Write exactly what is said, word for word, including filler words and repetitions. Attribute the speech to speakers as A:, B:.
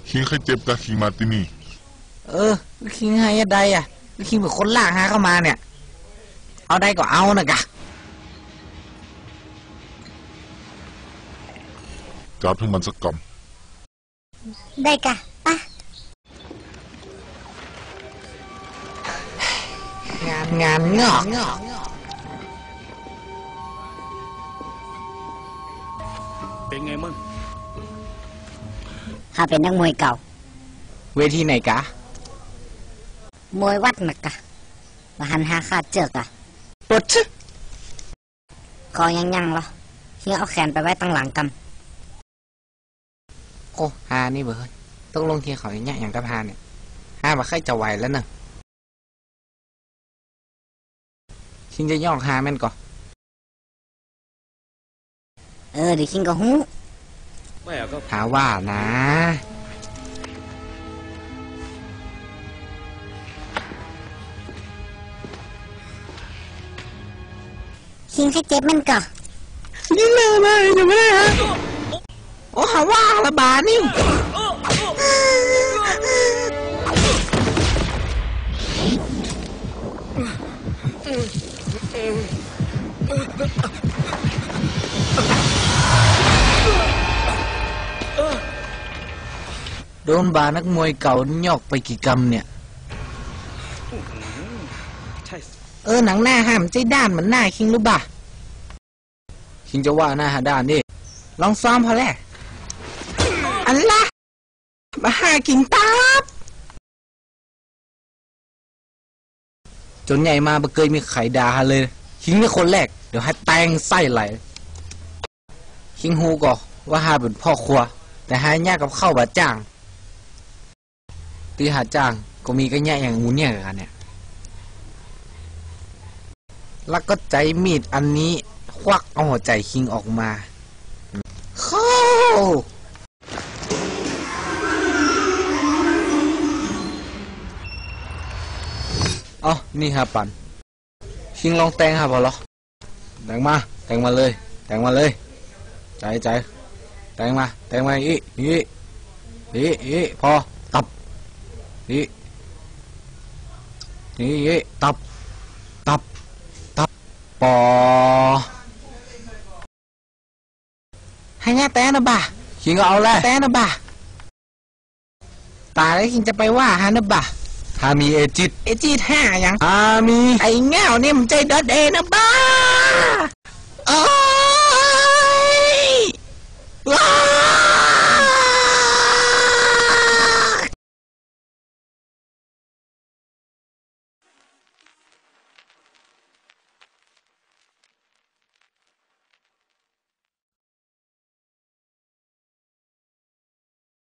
A: คิงเคยเจ็บกับคิงมาที่นี่
B: เออคิงให้ได้อ่ะคิงเป็นคนล่าหาเข้ามาเนี่ยเอาได้ก็เอานะกะ
A: จับให้มันสักก
C: ำได้กะปะ
B: งานงานงอก
D: เป็นไงมั่ง
C: ข้าเป็นนักมวยเก่า
B: เวทีไหนกะ
C: มวยวัดนะกะมาหันหาข้าเจอกะ
B: ปดซึ
C: คอยังยังเหรอเฮียเอาแขนไปไว้ตั้งหลังกำ
B: โอ้ฮานี่เบิร์ดต้องลงเทียเขาอย่างเงี้ยอย่างกับฮาเนี่ยฮามาใครจะไหวแล้วเนอะคิงจะย่องฮาแม่นก่อ
C: เออเดี๋ยวคิงก็ฮู้
B: หาว่านะ
C: คิงให้เจ็บมันก่อ
B: นี่เลยมาอยู่ไม่ได้ฮะโอ้หาว่าละบานิ่วโดนบานักมวยเก่าหยอกไปกี่กำเนี่ยเออหนังหน้าห้ามใจด้านเหมือนหน้าคิงรู้ป่ะคิงจะว่าหน้าหาด้านดิลองซ้อมพอแล้วอันละมาหากิงตับจนใหญ่มาบ่เคยมีไข่ดาเลยคิงเป็นคนแรกเดี๋ยวให้แตงไส้ไหลคิงฮูก่อว่าหาเป็นพ่อครัวแต่หายากกับข้าวบาจ้างตีหาจ้างก็มีกันแย่อย่างงูเนี่ยกันเนี่ยแล้วก็ใจมีดอันนี้ควักเอาหัวใจคิงออกมาเข้าอ๋อนี่ฮะปันคิงลองแตงฮะพอหรอแตงมาแตงมาเลยแตงมาเลยใจใจแตงมาแตงมาอีอีอีอีพอตับอีอีตับตับตับปอให้ง่ายแต่นะบ่าคิงก็เอาเลยแต่นะบ่าตายแล้วคิงจะไปว่าฮานะบ่าฮามีเอจิตเอจิตห้าอย่างฮามีไอ้เงาเนี่ยมันใจดอดเอนะบ้าโอ้